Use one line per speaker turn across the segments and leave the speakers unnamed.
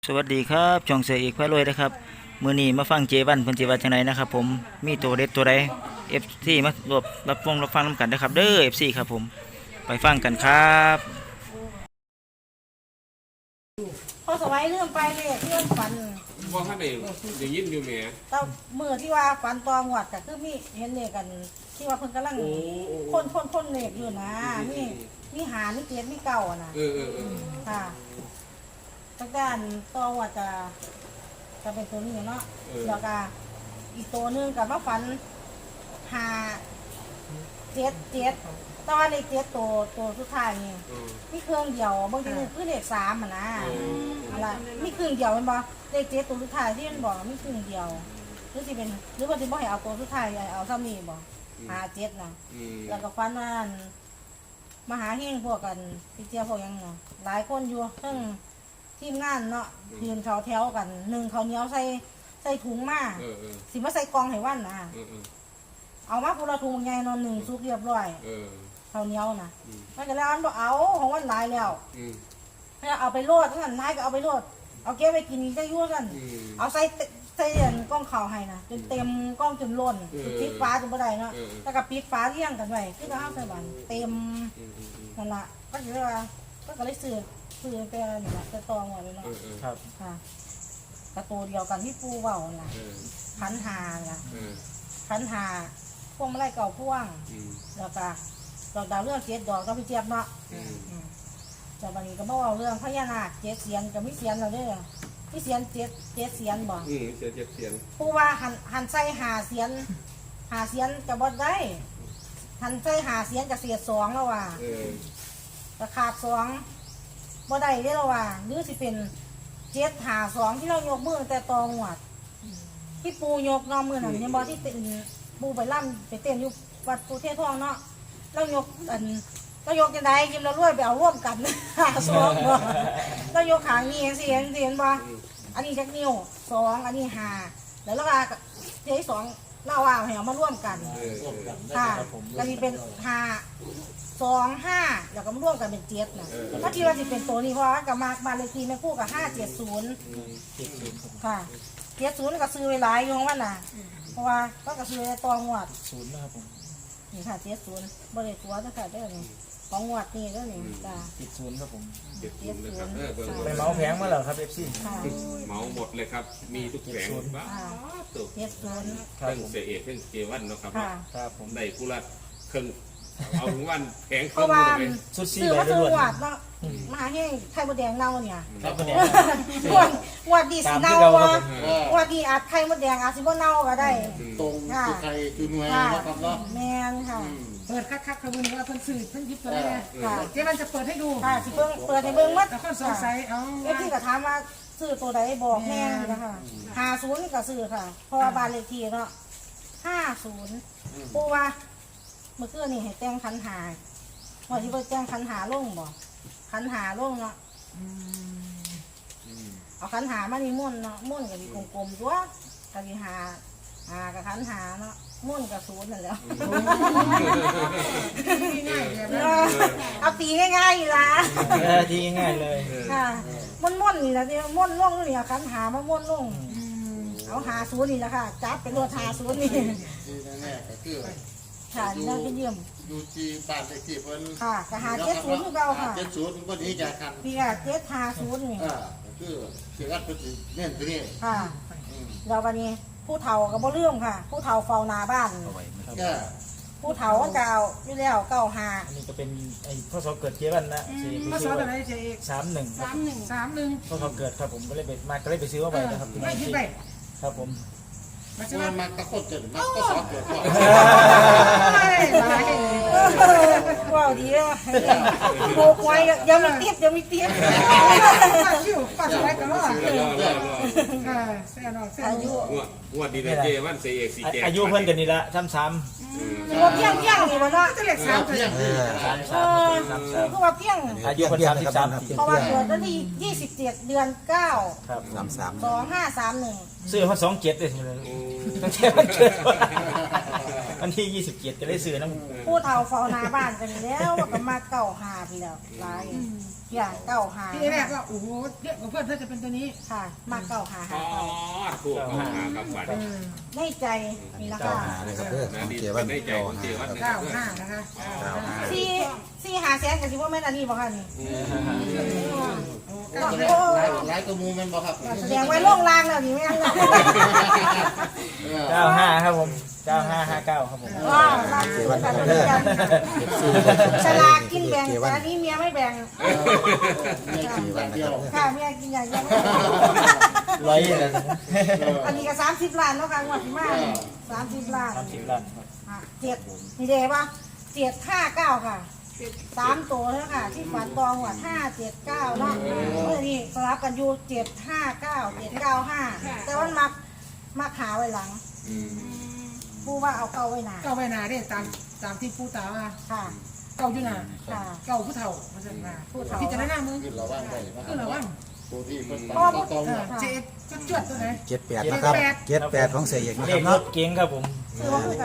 สวัสดีครับช่องเสือเอกพระรวยนะครับมื้อนี้มาฟังเจวันเพิ่นสิว่าจังไดนะครับผมมีตัวเด็ดตัวใด FC มารวบรับฟังนำกันนะครับเด้อ FC ครับผมไปฟังกันครับ
พอสวัยเรื่องไปเลยเรื่องฝัน
ว่าท่านเองอย่างยินอยู่แหม
แต่มือที่ว่าฝันตองหวัดก็คือมีเห็นเนี่ยกันที่ว่าเพิ่นกำลังคนเล็กอยู่นะมีหามีเจ็ดมีเก่าอ่ะนะค่ะตั้งแต่ตองหวัดจะเป็นตัวนี้เนาะแล้วก็อีกตัวนึงกับมาฝันหาเจ็ดตอนในเจ็ดตัวสุดท้ายนี่มีเครื่องเดียวบางทีคือเลขสามอ่ะนะอะไรมีเครื่องเดียวมันบอกเลขเจ็ดตัวสุดท้ายที่มันบอกมีเครื่องเดียวหรือสิเป็นหรือว่าสิบ่ให้เอาตัวสุดท้ายเอาซ้ำนี่บอกหาเจ็ดนะแล้วก็ฟันว่ามาหาเฮงพวกกันพี่เจ้าพวกยังหลายคนอยู่ทั้งทีมงานเนาะยืนเขาแถวกันหนึ่งเขาเหนียวใส่ถุงมาสิมาใส่กองให้วันนะเอามาพูละถุงใหญ่นอนหนึ่งซุกเรียบร้อยเขาเหนียวนะมันก็แล้วอันบอกเอาของวันหลายแล้วเอาไปโลดทั้งนั้นนายก็เอาไปโลดเอาเก็บไปกินได้ยุ่งกันเอาใส่กล้องข่าวให้นะจนเต็มกล้องจนล้นปิดฟ้าจนบ่ได้เนาะแล้วก็ปิดฟ้าเลี้ยงกันไว้ที่เราเอาใส่บันเต็มนั่นละก็คือว่าก็เลยซื้อไปนี่แหละจะตองหมดเลยเนาะครับค่ะกระตูเดียวกันที่ปูเบาน่ะขันหาน่ะขันหาพวงมาลัยเก่าพ่วงแล้วก็ดอกดาวเรื่องเจ็ดดอกก็พี่เจี๊ยบเนาะแต่บางทีก็บอกว่าเรื่องพญานาคเจ็ดเสียนกับมิเสียนเราด้วยมิเสียนเจ็ดเสียนบอก
เสียเจ็ดเสียน
ปูว่าหันใส่หาเสียนกับบดได้หันใส่หาเสียนกับเสียสองแล้วว่าแต่ขาดสองบ่ได้ได้แล้วว่าหรือสิเป็นเจ็ดหาสองที่เรายกมือแต่ตองหวัดที่ปูยกนอมือหนังยังบอกที่เต้นปูไปล่ำไปเต้นอยู่วัดปูเทศทองเนาะเรายกเรายกยังไงยิ้มเรารวยไปเอาร่วมกันหาสองบ่เรายกขางนี้เสียนบ่อันนี้จักนิ้วสองอันนี้หาแล้วเราก็เทสองเล่าว่าให้เอามาร่วมกันค่ะก็นี่เป็นหา2 5แล้วก็มาร่วมกันเป็นเจ็ดนะถ้าที่ว่าจะเป็นตัวนี้เพราะว่ากับมาบ้านเลขที่แม่คู่กับ570ค่ะ70ก็ซื้อไว้หลายอยู่ของมันน่ะเพราะว่าก็ซื้อไว้ตองวด0นะครับผมนี่ค่ะ70บ่ได้ตัวตั้งแต่เด้อนี่ของงวดนี่เด้อนี่จ้า
70ครับผม
70นะครับ
ไปเมาแพงมาแล้วครับ FC
เมาหมดเลยครับมีทุกแผงบ้าตุก
70
เครื่องเสียเอกเครื่องเกวันเนาะครับ
ครับผม
ได้กุลัดเครื่องเอาถึงวันแผงเครื่องเลย
สุดซี
ซื้อ
เลยด้วย
วัดเนาะมาให้ไข่มดแดงเน่าเนี่ย
ไข่มดแดง
วัดดีสิเน่าวัดดีอาจไข่มดแดงอาจสิบ่เน่าก็ได้
ตรงคือไข่คือหน่วยนะครับเนาะ
แมนค่ะ
เปิดคักๆขบวนว่าเพิ่นสื่อเพิ่นยิบตัวนี้เจ๊มันจะเปิดให้ดู
ค่ะสิเปิดให้เบิ่งมัด
แต่คนสงสัย
ที่ก็ถามว่าซื้อตัวใดบอกแม่นะคะ50ก็ซื้อค่ะเพราะว่าบ้านเลขที่เนาะ50ปูว่าเมื่อคืนนี่ให้แต่งขันหาว่าที่ไปแต่งขันหาลงบ่ขันหาลงเนาะเอาขันหามานี่ม่วนเนาะม่วนกับกลมๆตัวกับหากับขันหาเนาะม่วนกับ0นั่นแหละเอาตีง่ายๆอยู่ละ
ดีง่ายเลย
ค่ะม่วนนี่แหละที่ม่วนล่องนี่ขันหามาม่วนล่องเอา50นี่แหละค่ะจับเป็นรถ50นี่
แน่ก็คือ
ค่ะน่าไปเยี่ยม
อยู่ที่บ้านเลขที่เพิ่น
ค่ะก็70คือเก่าค่ะ
70มันก็หนีจากกัน
พี่ก็750นี่
ก็คือสิรัดเพิ่นสิเน้นตัวนี้
ค่ะแล้ววันนี้ผู้เฒ่าก็บ่ลืมค่ะผู้เฒ่าเฝ้าหน้าบ้านผู้เฒ่าก็เอาอยู่แล้ว95
อันนี้ก็เป็นไอ้พศเกิดเจ๊วันนะ
พศอะไรเจ๊เอก
31พศเกิดครับผมก็เลยไปซื้อมาไปนะครับ
ไม่คิดไป
ครับผม
มันตะโกนเกิดมันก็สอบเกิด
ว้าวดีเลยโบกไว้ยังมีเตี้ย
ป้าสบายกันเหรอ
อายุ
งวดดีเลยเจวันเสียเอกสีแก่
อายุเพิ่นกันนี่ละซ้ำ
ว่าเพียงนี่มันเนาะ
จะเรียก3
เพียง
คือว่าเพียง
อายุเพิ่น33
เพราะว่าเกิดวันที่27เดือน9
ครับ
2531
ซื้อมา27เลยตั้งแต่วันเกิด
วันที่27ก็เลยซื้อน้ำ
ผู้เฒ่าเฝ้าหน้าบ้านกันแล้วว่าก็มาเก้าหาพี่แล้วหลายอย่างเก้าหา
ที่แรกก็โอ้โหเยอะกว่าเพื่อนเพื่อนจะเป็นตัวนี้
ค่ะ มาเก้าหา
อ๋
หา
อ
เก้า
ถูกเข้าหากับบัตร
ในใจนี่นะ
เก้า
คะ
หาเลยครับเด้อข
นะ
อง
ดี
เจ
เป็
วัน น
ได้ใจ
เก้า
ของเจ
หา
วัน
ครับ
นะค
เก้า
รับ
ห้านะคะ
สี่หาแสนกันสิว่าแม่นอันนี้บ่ค่ะนี่
หลายตัวมูมันบ่ครับ
แสดงไว้โล่งลางแล้วนี่แม่นแล้ว
95ครับผม9559ครับผม
ว้าวลางสุดกันเลยกันฉลากกินแบ่งแต่อันนี้เมียไม่แบ่ง
ไม่กี่วันเดียว
ค่ะเมียกินอย่างเดียว
ร้อยเลย
อันนี้ก็30 ล้านเนาะค่ะงวดที่มา30 ล้าน
30ล้านครับ
เจ็ดนี่เด้ป่ะ759ค่ะ3ตัวแล้วค่ะ ที่ฝันตองว่า579เนาะเมื่อนี้สลับกันอยู่759 795แต่ว่ามักหาไว้หลังผู้ว่าเอาเก่าไว้หนา
เก้าใบนาเนี่ยตามที่ผู้ตาว่า
ค่ะ
เก้าอยู่นา
ค่ะ
เก้าผู้เฒ่ามาสั่งมาพิจารณามึง
คือเราว่างได้นะค
คือ
รั
ระ
บ
วัง
ตัวที่เป็น
พ่อ
ตั
พู
ว
ด
ตรง
เจ็บจวดตัวไหน
78นะครับ78ของเสียเอกนะ
เล
ครับ
ขร
เนาะ
ถเก๋งครับผม
ซื้อว่าคือกัน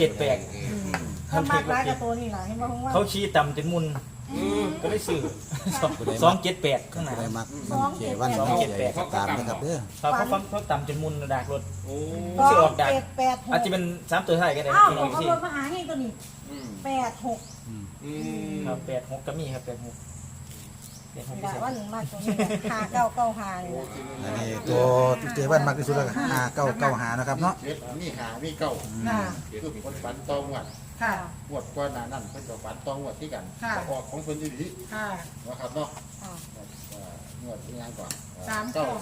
278
ถ้ามากร้ายกับตัวนี่แหละเห็นว่าผมว่า
เขาชี้ต่ำจนมุนก็เลยซื้อ278ข้างหน้า
ได้มักเจวันของเสียเอกตามนะครับเด้อ
เขาต่ำจนมุนดากรถ
โอ้
สิออกดัก
2
อาจจะเป็น3ตัวท้ายก็ได้
อ้าว
พี่
ข
น้
อ
อง ง
เขา
สิ
ลดมาหาให้ตัวนี้86
ครับ86ก็มีครับ86
แต่ว่าหนึ่งมากตัวนี้5995นี่แหละ
อันนี้ตัวเจวันมักที่สุดแล้วก็5995นะครับเนาะ
เจ็ดมีหามีเก้า
ค่ะ
คือคนฝันตองวัด
ค่ะ
งวดก่อนหน้านั้นเพิ่นก็ฝันตองวัดที่กัน
ค่ะ
ออกของเพิ่นอีหลี
ค่ะ
นะครับเนาะ
ค่ะ
งวดที่งานก่อน
สาม
เก้า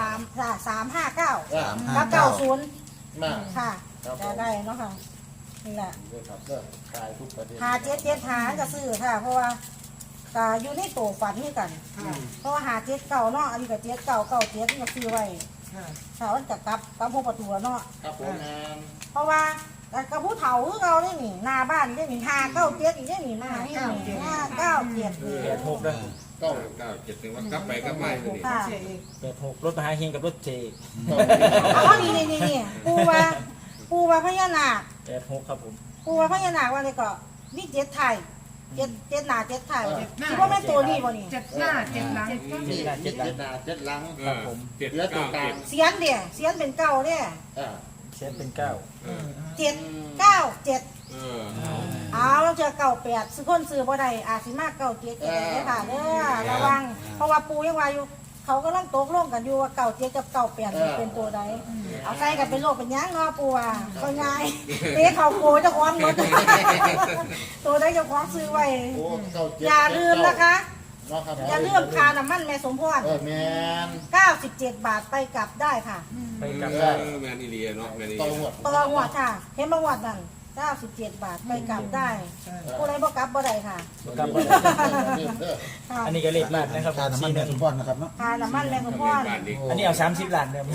359
359
กับ90
มา
ค่ะจะได้เนาะค่ะนี่แหละ
ด้วยครับเด้อคลายทุกประเด็น
5775ก็ซื้อค่ะ เพราะว่าก็อยู่ในโตฝันนี่กัน
ค่ะ
เพราะว่า57เก่าเนาะอันนี้ก็7997นี่ก็ซื้อไว้
ค่ะ
ถ้ามันจะกลับพวกประตูเนาะ
ครับผมงาน
เพราะว่าแต่กับผู้เฒ่าคือเราได้หนิหน้าบ้านได้หนิ597อีกได้หนิมาให้หนิ597
86แล้ว
เก้า
9 7ถึงว่ากลับไปกลับมาอยู่นี่
ค่ะ
เสียเอก
86รถมหาเฮงกับรถเจ
เอานี่ปูว่าพญานาค
86ครับผม
ปูว่าพญานาคว่าเลยก็มีเจ็ดไทยเจ็ดหน้าเจ็ดไทยคิดว่าแม่นตัวนี้บ่นี่
เจ็ดหน้าเจ็ดหลัง
มีเจ็ดหน้าเจ็ดหลัง
ครับผม
เหลือตัวกลาง
เสียนเดี่ยเสียนเป็นเก้าเนี่ย
เช็ดเป็น9
797 เอาแล้วเจอ98ซื้อคนซื้อบ่ได้อาจสิมาก97ก็ได้ค่ะเด้อระวังเพราะว่าปูยังว่าอยู่เขากำลังตกลงกันอยู่ว่า97กับ98สิเป็นตัวใดเอาใส่กันเป็นโลกเป็นหยังเนาะปูว่าก็ง่ายเตะเขาโกเจ้าของหมดตัวใดเจ้าของซื้อไว้
โอ้เก้าเจ็ด
อย่าลืมนะคะ
เนาะครับ
อย่าลืมค่าน้ำมันแม่สมพร
แมน
97 บาทไปกลับได้ค่ะ
ไปกลับได้
แมนอีเลียเนาะแมนอี
ต่อ
เลี
หม
ย
ด
ตลอดงวดค่ะ เห็นบางวดนั่น97 บาทไปกลับได้ผู้ใดบ่กลับบ่ได้ค่ะ
กลับได้
ค่ะ
อันนี้ก็เลขมากนะครับ
ค่าน้ำมันแม่สมพรนะครับเนาะ
ค่าน้ำมันแม่สมพร
บ้านนี้
อันนี้เอา30ล้านเด้อ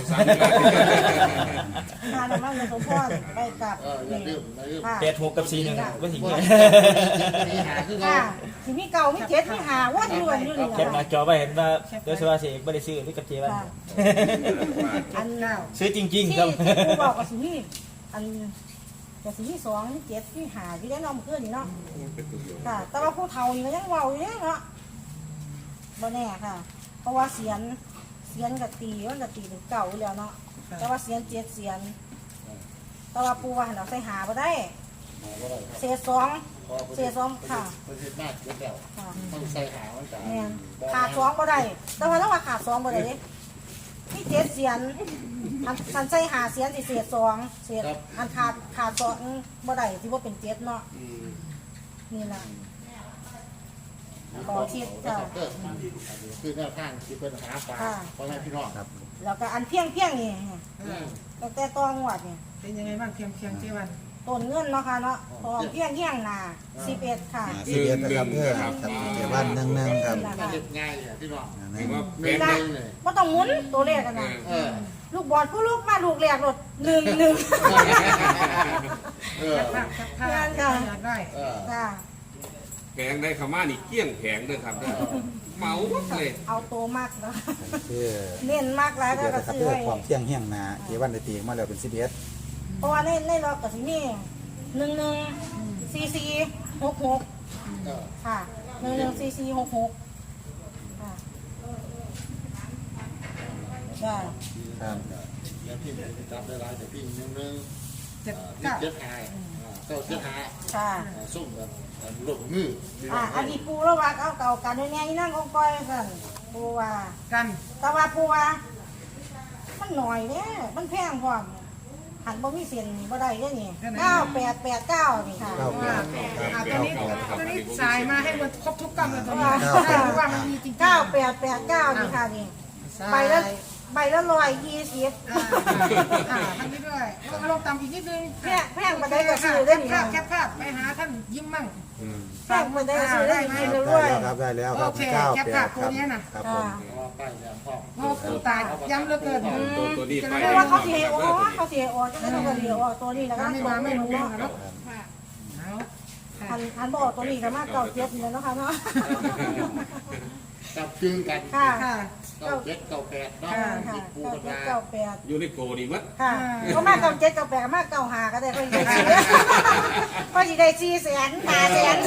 ค่าน้ำมันแม่สมพรไปกลับ
อย่าลืมอย่าลืม
ค่ะ
86กับ41ก็สิเงี้ย
มีหาคือ
ค่ะ
เรา
สิมีเก่ามีเจ็ดมีหาว่าอยู่อันอยู่นี่
แคปหน้า
ค่ะ
จอไว้เห็นว่าเดี๋ยวสิว่าสิบ่ได้ซื้อหรือกับเจวัน
อัน
เก้า
ซื้อจริง
ที่
ๆครับ
ผู้บอกก็สิมีอันก็สิมี2มี7มีหาที่ได้น้องเพื่อนนี่เนาะ ค่ะ แต่ว่าผู้เฒ่านี่ก็ยังเว้าอยู่เนาะบ่แน่ค่ะ เพราะว่าเสียนกับตีมันกับตีถึงเก่าอยู่แล้วเนาะ แต่ว่าเสียน7เสียน แต่ว่าปูว่าหันเอาใส่หาบ่ได้เศษ2เศษ2ค่ะ
ประเทศมากเยอะแล้ว
ค่ะ
ต้องใส่หามันกัน
แม่นขาด2บ่ได้ แต่ว่าถ้าว่าขาด2บ่ได้เด้มี7เสียนอันใส่หาเสียนสิเศษ2เศษอันขาด2บ่ได้สิบ่เป็น7เนาะนี่ล่ะ ขอคิดจ้ะ
คือแนวทางที่เป็นหาปลาพ่อแม่พี่น้องครับ
แล้วก็อันเพียงนี่ตั้งแต่ตองวดนี่
เป็นยังไงบ้างเพียงเจวัน
ต้นเงินเนาะค่ะเนาะพอเพียงหนา11ค่ะ
11นะครับเด้อครับเจวัน11ครับ
น่าเด็ดง่ายเลยพี่น้อง
ถือว่า
เม
เป็น
นเลย
บ่ต้องหมุนตัวเลขกันนะ
เออ
ลูกบอลผู้ลูกมาลูกแรกรถ1
เออ
ภาพอยากได้
เออ
1จ้า
แผงได้ขม่านี่เกี้ยงแผงเลยครับเมาเลย
เอาโตมากเนาะ
คือ
เน้นมากแล้ว
เดี๋ยว
ก็
นะครับ
ซื้อ
เด้อ
ไว้
ความเที่ยงเฮี้ยงนาเจวันได้ตีมาแล้วเป็น11
เพราะว่าในรอบก็สิมี 114466ค่ะ114466ค่ะจ้า
ครับ
แล้วพี่จับได้หลายแต่พี่นึง
เจ็ด
ๆ
เก้า
เจ็ดหาเก้าเจ็ดหา
ค่ะ
ส่งแบบลูกมือ
อันนี้ปูแล้วว่าเอาเก่ากันด้วยไงนั่งกองก้อยสั่นปูว่า
กัน
แต่ว่าปูว่ามันหน่อยเนี่ยมันแพงพร้อมหันบ่มีเส้นบ่ได้เด้อนี่9889นี่ค่ะ
เก้าแปด
ตัวนี้สายมาให้มันครบทุกกำเลยตัวนี้
เก้า
ได้รู้ว่ามันมีจริงๆ
9889นี่ค่ะนี่ใบละ120
ทางนี้ด้วยเอาลงต่ำอีกนิดนึง
แพงบ่ได้ก็ซื้อได้นี่
แคบภาพไปหาท่านยิ้มมั่ง
แพงบ่ได้ก็ซื้อได้นี่เลยด้วย
ครับได้แล้วค
โอ
รับ
เค
เก้า
แคป
แป
ภา
ด
พ
ค
ตัว
รับ
นี้น่ะ
ครับผม
ป้ายแดงพ่อ
โอ้ครูตายย้ำเหลือเกิน
ตัวนี้ไป
เพราะว่าเขาสิให้ออกเขาสิให้ออกจังได๋เขาก็สิออกตัวนี้แล้วก็
ไม่มาไม่รู้
เนาะ
เนาะ
อันบ่ออกตัวนี้ก็มาเก่าเจ็บนี่แหละเนาะค่ะเนาะ
จับจึงกัน
ค่ะ
ค่ะ
เก้าเจ็ดเก้าแปดเนาะ
ค่ะ
ปู
เก้า
กัน
เจ็ด
มา
เก้าแปด
อยู่ในโกนี่มัด
ค่ะก็มาเก่าเจ็ดเก้าแปดก็มาเก่าหาก็ได้ก็สิได้ก็สิได้400,000 500,000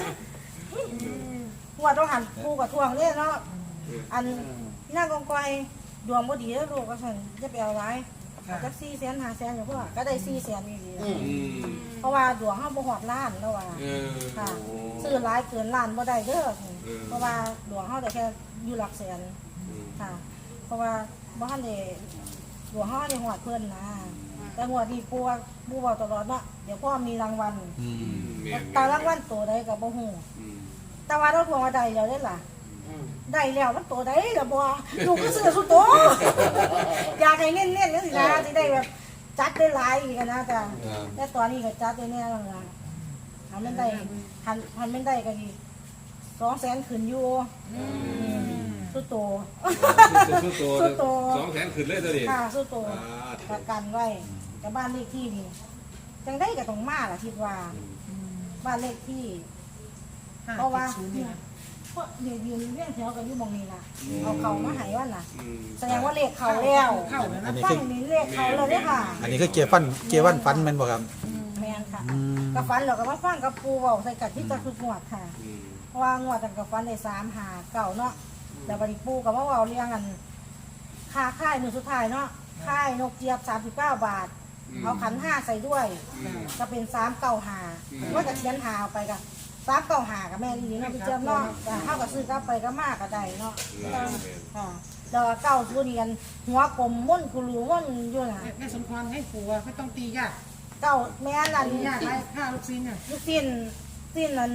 หัวต้องหันปูกับทวงเนี่ยเนาะอันนั่งกองกอยดวงบ่ดีแล้วลูกก็สั่นจะไปเอาไว้จัก400,000 500,000อยู่พ่อก็ได้400,000นี่ดีเพราะว่าดวงเฮาบ่ฮอดล้านแล้วว่าค่ะซื้อหลายเกินล้านบ่ได้เด้อเพราะว่าดวงเฮาได้แค่อยู่หลักแสนค่ะเพราะว่าบ่ทันได้ดวงเฮาได้ฮอดเพิ่นนะแต่หัวที่ปูบอกตลอดเนาะเดี๋ยวพ่อมีรางวัลแต่รางวัลตัวใดก็บ่ฮู้แต่ว่าเราทวงว่าได้แล้วเด้อล่ะได้แล้วมันตัวใดล่ะบ่ลูกก็ซื้อสุดโตอยากให้เน้นๆจังซี่นะสิได้แบบจัดได้หลายอีกนะจ้ะแต่ตอนนี้ก็จัดได้แน่แล้วล่ะหันมันได้หันมันได้ก็อีก200,000ขึ้นอยู่สุดโต
สุดโต200,000ขึ้นเลยตัวนี้
ค่ะสุดโตประกันไว้กับบ้านเลขที่นี่จังได้ก็ต้องมาล่ะคิดว่าบ้านเลขที่เพราะว่าเพราะเดี๋ยวยืนเรื่องแถวกันอยู่มองนี้ล่ะเอาเขามาให้ว่าน่ะแสดงว่าเลขเขาแล้วฟังนี่เลขเขาแล้วเด้อค่ะ
อันนี้คือเกียร์วันฟันแมันบ่ครับ
แม่นค่ะกับฟันเราก็มาฟังกับปูเว้าใส่กันที่จะคืองวดค่ะเพราะว่างวดกันกับฟันได้3 5 9เนาะแล้วบัดนี้ปูก็มาเว้าเรื่องกันค่าค่ายมื้อสุดท้ายเนาะค่ายนกเจี๊ยบ39 บาทเอาขัน5ใส่ด้วยก็เป็น395ว่าจะเขียนหาออกไปก็395กับแม่ดีเนาะพี่เจี๊ยบเนาะเฮาก็ซื้อกลับไปก็มากก็ได้เนาะค่ะแล้วก็90นี่กันหัวกลมม่วนกุลูม่วนอยู่น่ะ
แม่สมพรให้ผัวไม่ต้องตียาก
แม่นั่น
ตียากไรข้าวลูกชิ้นน่ะ
ลูกสิ้นนั่น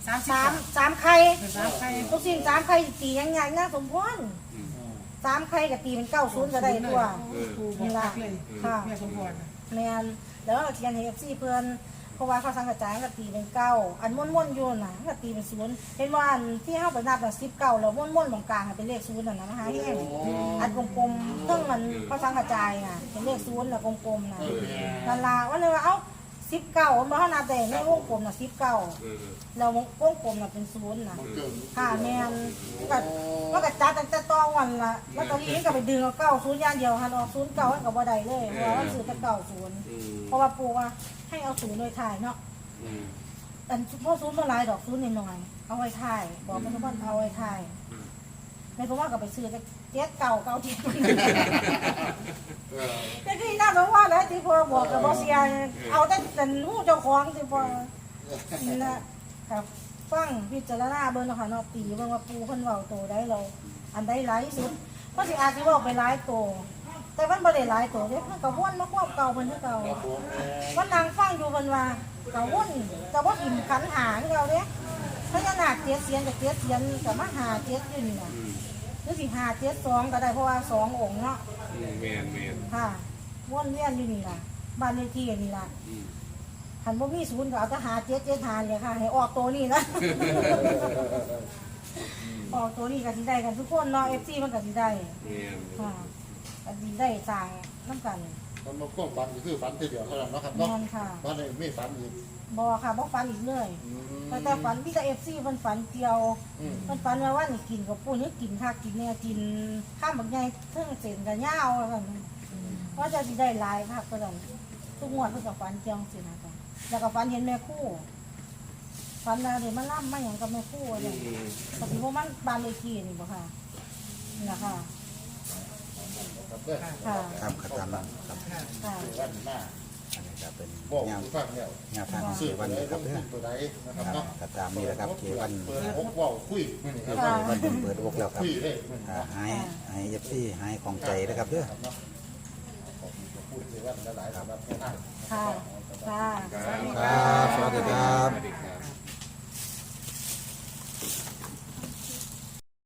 30
3ไข่
3ใคร
ลูกสิ้น3ไข่ตียังไงนะสมพร3ไข่ก็ตีเป็น90ก็ได้ตัว
ครูบอกเลยแม่สมพร
แม่นแล้วก็เขียนให้ FC เพิ่นเพราะว่าเขาสังกัดจ่ายก็ตีเป็น9อันม่วนๆอยู่น่ะก็ตีเป็น0เห็นว่าอันที่เฮาไปนับน่ะ19แล้วม่วนๆตรงกลางเป็นเลข0น่ะนะมหาแห้งอันกลมๆซึ่งมันเขาสังกัดจ่ายน่ะเป็นเลข0แล้วกลมๆน่ะนั่นล่ะว่าเลยว่าเอ้า19มันบ่เฮานับได้ในวงกลมน่ะ19แล้ววงกลมน่ะเป็น0น่ะค่ะแม่นก็จัดตั้งแต่ตอนวันละแล้วตอนนี้ก็ไปดึงเอา90อย่างเดียวหันออก09มันก็บ่ได้เลยเพราะว่ามันซื้อแต่90เพราะว่าปู่ว่าให้เอา0โดยถ่ายเนาะอันพวก0บ่หลายดอก0น้อยๆเอาไว้ถ่ายบอกมันว่าเอาไว้ถ่ายในเพราะว่าก็ไปซื้อแต่เจ็ดเก่าที่แต่ที่น่าสงสารแล้วที่พ่อบอกกับบ่เสียเอาแต่หูเจ้าของที่พ่อนี่นะครับฟังพิจารณาเบิ่งเนาะค่ะเนาะตีเบิ่งว่าปูเพิ่นเว้าโตได้เราอันใดหลายที่สุดเพราะสิอาจสิเว้าไปหลายโตแต่มันบ่ได้หลายโตเด้เพิ่นก็วนมาควบเก่าเพิ่นคือเก่าวันนางฟังอยู่เพิ่นว่าก็วนก็บ่อิ่มขันหาคือเก่าเด้พญานาคเจ็ดเสียนกับเจ็ดเสียนก็มาหาเจ็ดอยู่นี่น่ะหรือสิหา72ก็ได้เพราะว่า2องค์เนาะ
แม่น
ค่ะวนเวียนอยู่นี่ล่ะบ้านเลขที่นี่ล่ะคันบ่มีศูนย์ก็เอาแต่หา775เลยค่ะให้ออกตัวนี้นะ ออกตัวนี้ก็สิได้กันทุกคนเนาะ FC มันก็สิได้ค่ะก็สิได้สร้างนำกัน
มันมาควบฝันคือฝันทีเดียวเท่านั้นเนาะครับ
แม่
เนาะ
นค่ะ
ตอนนี้ไม่ฝันอีก
บ่ค่ะบ่ฝันอีกเลยแต่ฝันมีแต่ FC เพิ่นฝันเกี่ยวเพิ่นฝันว่านี่กินกับปุ้นนี่กินคักกินแน่กินข้ามบักใหญ่เทิงเส้นก็ยาวว่าซั่นว่าจะสิได้หลายคักก็ซั่นทุกงวดเพิ่นก็ฝันเกี่ยวจังซี่นะจ๊ะแล้วก็ฝันเห็นแม่ครู่ฝันว่าเดี๋ยวมาล่ำมาอย่างกับแม่ครู่เนี่ยปฏิโมมันบานเลขีนี่บ่ค่ะนี่นะคะ
ครับเด้อ
ค่ะ
ครับขัดตามนั้นครับ
ค่ะ
เจวันหน้า
อันนี้ก็เป็น
บอก
แนว
ฟังแล้ว
แนวทางของเจ
ซื้อ
วัน
ไหน
นะค
ล
รับ
ง
เด้
ทุ
อน
ตัวไหนนะครับ
ครับ
เนาะ
ขัดตามนี่แหละครับเจวัน
เปิดหกว่าวคุย
เจวันเปิดอกแล้วครับ
คุยเลย
หายเอฟซีหายของใจนะครับเด้อ
ครับเนาะขอบคุณพูดเจวันหลายๆสำหรับแค่นั้น
ค่ะค่ะ
ครับสวัสดีครับ
สวัสดีครับ